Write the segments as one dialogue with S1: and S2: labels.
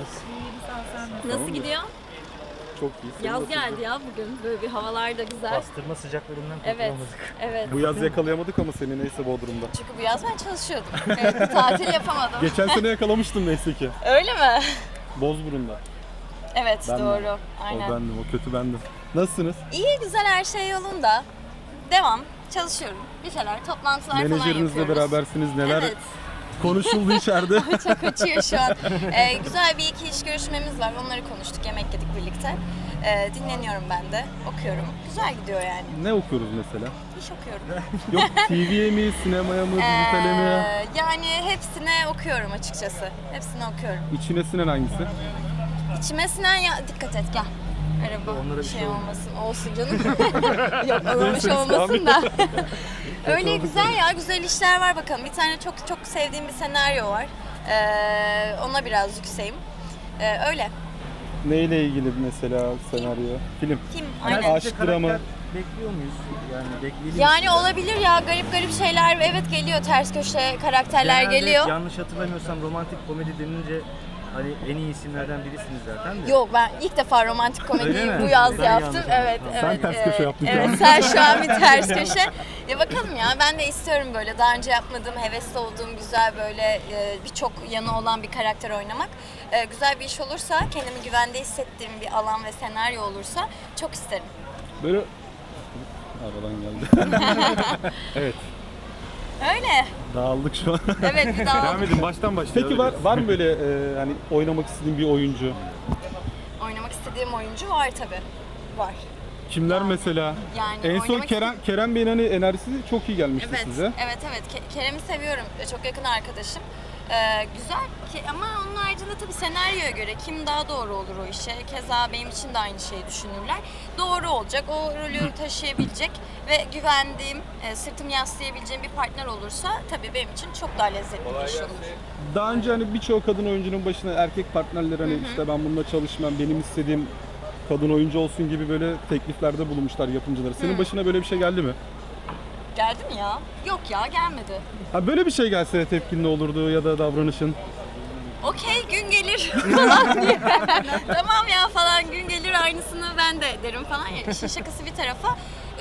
S1: İyiyim, sağ ol, sen nasılsın?
S2: Nasıl gidiyor?
S3: Çok iyi. Senin
S2: Yaz
S3: nasıl
S2: geldi
S3: gidiyor?
S2: ya bugün. Böyle bir havalar da güzel.
S1: Bastırma sıcaklarından
S2: Evet,
S1: kurtulamadık.
S2: evet.
S3: Bu yaz yakalayamadık ama seni neyse Bodrum'da.
S2: Çünkü bu yaz ben çalışıyordum. Evet, bir tatil yapamadım.
S3: Geçen sene yakalamıştım neyse ki.
S2: Öyle mi?
S3: Bozburun'da.
S2: Evet,
S3: Ben de.
S2: doğru. Aynen.
S3: O bendim, o kötü bendim. Nasılsınız?
S2: İyi, güzel, her şey yolunda. Devam. Çalışıyorum. Bir şeyler, toplantılar falan
S3: Menajerinizle
S2: yapıyoruz.
S3: berabersiniz. Neler
S2: Evet.
S3: konuşuldu içeride?
S2: Çok uçuyor şu an. Güzel bir iki iş görüşmemiz var. Onları konuştuk, yemek yedik birlikte. Dinleniyorum ben de, okuyorum. Güzel gidiyor yani.
S3: Ne okuyoruz mesela?
S2: İş okuyorum.
S3: Yok TV'ye mi, sinemaya mı, dijitale mi?
S2: Yani hepsine okuyorum açıkçası. Hepsini okuyorum.
S3: İçine sinen hangisi?
S2: İçime sinen ya... Dikkat et, gel. Araba
S1: Onlara bir
S2: şey
S1: şey
S2: olmasın. Olsun canım. Yok, ona bir şey olmasın da. Öyle güzel ya, güzel işler var bakalım. Bir tane çok çok sevdiğim bir senaryo var. Ona biraz yükseğim. Öyle.
S3: Neyle ilgili mesela senaryo? Film.
S2: Kim?
S3: Yani
S2: Aynen.
S3: aşk dramı.
S1: Bekliyor muyuz? Yani bekleyelim.
S2: Yani olabilir ya, garip garip şeyler evet geliyor, ters köşe karakterler
S1: Genelde
S2: geliyor.
S1: yanlış hatırlamıyorsam romantik komedi denince hani en iyi isimlerden birisiniz zaten de.
S2: Yok, ben ilk defa romantik
S1: Öyle
S2: komediyi
S1: mi?
S2: bu yaz
S1: Ben
S2: yaptım.
S1: yanlış
S2: Evet,
S1: anladım.
S2: evet.
S3: Sen ters köşe yaptın şu
S2: Evet,
S3: an.
S2: sen şu an bir ters köşe. Ya bakalım ya, ben de istiyorum böyle daha önce yapmadığım, hevesli olduğum güzel böyle birçok yanı olan bir karakter oynamak. Güzel bir iş olursa, kendimi güvende hissettiğim bir alan ve senaryo olursa çok isterim.
S3: Böyle... Aradan geldi. Evet.
S2: Öyle.
S3: Dağıldık şu an.
S2: Evet, bir daha
S4: Devam edin baştan başlayalım.
S3: Peki var mı böyle hani oynamak istediğin bir oyuncu?
S2: oynamak istediğim oyuncu var tabii. Var.
S3: Kimler mesela?
S2: Yani
S3: En son
S2: oynamak
S3: Kerem Bey'in hani enerjisi çok iyi gelmişti
S2: Evet,
S3: size.
S2: evet. Kerem'i seviyorum. Çok yakın arkadaşım. Güzel ki ama onun haricinde tabii senaryoya göre kim daha doğru olur o işe. Keza benim için de aynı şeyi düşünürler. Doğru olacak, o rolü taşıyabilecek ve güvendiğim, sırtımı yaslayabileceğim bir partner olursa tabii benim için çok daha lezzetli bir iş olur.
S3: Daha önce hani birçok kadın oyuncunun başına erkek partnerler hani işte ben bununla çalışmam, benim istediğim kadın oyuncu olsun gibi böyle tekliflerde bulunmuşlar yapımcıları. Senin başına böyle bir şey geldi mi?
S2: Geldi mi ya? Yok ya, gelmedi.
S3: Ha böyle bir şey gelse tepkin ne olurdu ya da davranışın?
S2: Okey, gün gelir falan diye. Tamam ya falan, gün gelir aynısını ben de derim falan. Ya, işin şakası bir tarafa.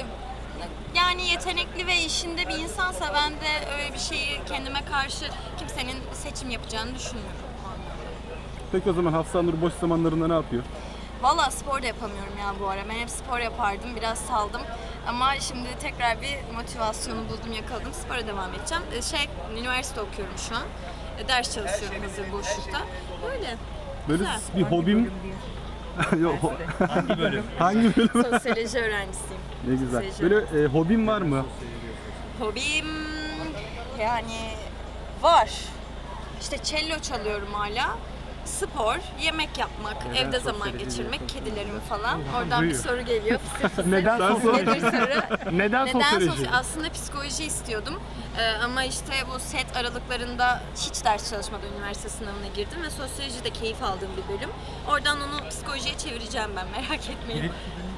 S2: Yani yetenekli ve işinde bir insansa ben de öyle bir şeyi kendime karşı kimsenin seçim yapacağını düşünmüyorum.
S3: Peki o zaman Hafsa Nur boş zamanlarında ne yapıyor?
S2: Valla spor da yapamıyorum ya bu ara. Ben hep spor yapardım, biraz saldım. Ama şimdi tekrar bir motivasyonu buldum, yakaladım. Spora devam edeceğim. Üniversite okuyorum şu an. Ders çalışıyorum hazır boşlukta. Böyle.
S3: Böyle
S2: Güzel.
S3: bir hobim... Yok.
S1: Hangi bölüm?
S3: Hangi bölüm?
S2: Sosyoloji öğrencisiyim.
S3: Ne güzel.
S2: Sosyoloji
S3: Böyle hobin var mı?
S2: Hobim yani var. İşte cello çalıyorum hala. Spor, yemek yapmak, evde zaman geçirmek, kedilerim falan. Oradan bir soru geliyor. Fısır fısır.
S4: Neden sosyoloji?
S2: Nedir soru?
S4: Neden sosyoloji?
S2: Aslında psikoloji istiyordum. Ama işte bu set aralıklarında hiç ders çalışmadan üniversite sınavına girdim ve sosyoloji de keyif aldığım bir bölüm. Oradan onu psikolojiye çevireceğim ben, merak etmeyin.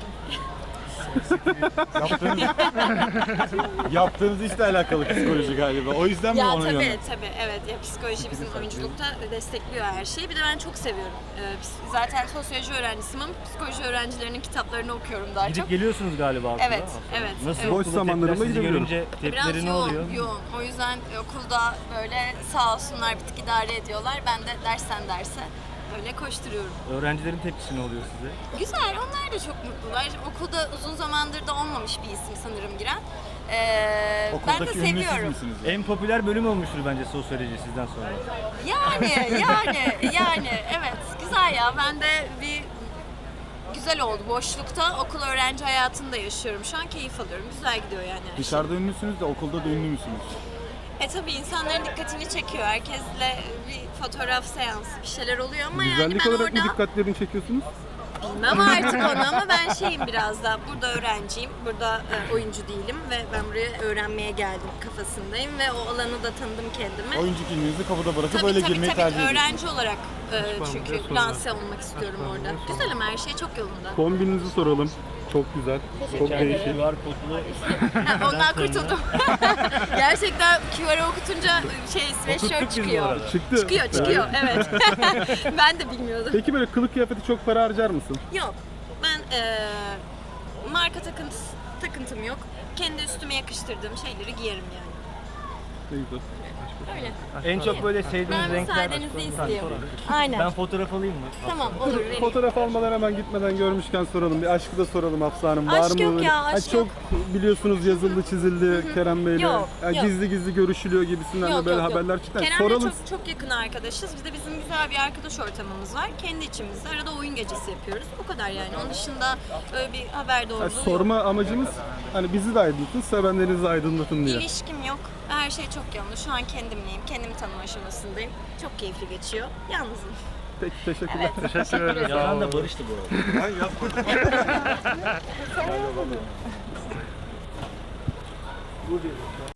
S4: Yaptığınız işle alakalı psikoloji galiba. O yüzden mi
S2: Ya
S4: onu
S2: tabii evet ya, psikoloji bizim oyunculukta destekliyor her şeyi. Bir de ben çok seviyorum. Zaten sosyoloji öğrencisiyim ama psikoloji öğrencilerinin kitaplarını okuyorum daha çok.
S1: Gidip geliyorsunuz galiba okula.
S2: Evet, evet.
S1: Nasıl
S2: evet.
S3: Boş
S1: okulda
S3: zamanlarımda
S1: tepkiler sizi
S3: gidebiliyorum.
S1: görünce
S2: Biraz
S1: tepkileri ne oluyor?
S2: yoğun. O yüzden okulda böyle sağ olsunlar bir tık idare ediyorlar. Ben de dersten derse öyle koşturuyorum.
S1: Öğrencilerin tepkisi ne oluyor size?
S2: Güzel, onlar da çok mutlular. Okulda uzun zamandır da olmamış bir isim sanırım giren. Ben de
S4: Okuldaki ünlü siz
S2: seviyorum.
S4: misiniz?
S1: En popüler bölüm olmuştur bence sosyoloji sizden sonra.
S2: Yani evet, güzel ya. Ben de bir güzel oldu. Boşlukta okul öğrenci hayatında yaşıyorum. Şu an keyif alıyorum. Güzel gidiyor yani her şey.
S4: Dışarıda ünlüsünüz de okulda da ünlü müsünüz?
S2: Tabii insanların dikkatini çekiyor. Herkesle bir fotoğraf seansı bir şeyler oluyor ama yani
S3: Güzellik
S2: ben
S3: olarak mı
S2: orada
S3: dikkatlerini çekiyorsunuz?
S2: bilmem artık onu ama ben şeyim biraz da burada öğrenciyim. Burada oyuncu değilim ve ben buraya öğrenmeye geldim kafasındayım ve o alanı da tanıdım kendime.
S4: Oyuncu kimliğinizi kapıda bırakıp
S2: Tabii
S4: öyle
S2: tabii
S4: girmeyi tercih ediyorsunuz.
S2: öğrenci olarak Çünkü lanse olmak istiyorum orada. Güzel ama her şey çok yolunda.
S3: Kombininizi soralım. Çok güzel. Çok değişik.
S1: QR kodlu
S2: Ha, ondan kurtuldum. Gerçekten QR'ı okutunca sweatshirt
S1: Okuttuk biz bu
S2: çıkıyor.
S1: arada.
S3: Çıktı.
S2: Çıkıyor, evet. Ben de bilmiyordum.
S3: Peki böyle kılık kıyafeti çok para harcar mısın?
S2: Yok, ben marka takıntım yok. Kendi üstüme yakıştırdığım şeyleri giyerim yani.
S3: Ne güzel.
S2: Öyle.
S1: en çok böyle sevdiğiniz
S2: Ben
S1: renkler.
S2: müsaadenizi
S1: Ben
S2: istiyorum.
S1: sorayım.
S2: Aynen.
S1: Ben fotoğraf alayım mı?
S2: Tamam, olur. vereyim.
S3: Fotoğraf almadan hemen gitmeden görmüşken soralım. Bir aşkı da soralım Hafsa Hanım. Var
S2: Aşk
S3: mı?
S2: yok
S3: böyle?
S2: ya,
S3: Ha,
S2: aşk
S3: çok biliyorsunuz yazıldı çizildi Kerem Bey'le.
S2: Yok,
S3: Yani
S2: yok.
S3: Gizli gizli görüşülüyor gibisinden de böyle haberler çıktı. Yani
S2: Kerem'le
S3: soralım.
S2: çok yakın arkadaşız. Biz de bizim güzel bir arkadaş ortamımız var. Kendi içimizde arada oyun gecesi yapıyoruz. O kadar yani. Onun dışında öyle bir haber doğruluğu
S3: Yani
S2: yok.
S3: sorma amacımız hani bizi de aydınlatın, sevenlerinizi aydınlatın diye.
S2: İlişkim yok. Her şey çok yolunda. Şu an kendimleyim. Kendimi tanıma aşamasındayım. Çok keyifli geçiyor. Yalnızım.
S3: Peki teşekkürler.
S1: Teşekkür ederim. Yalan da barıştı bu arada.
S4: Ben yapmadım.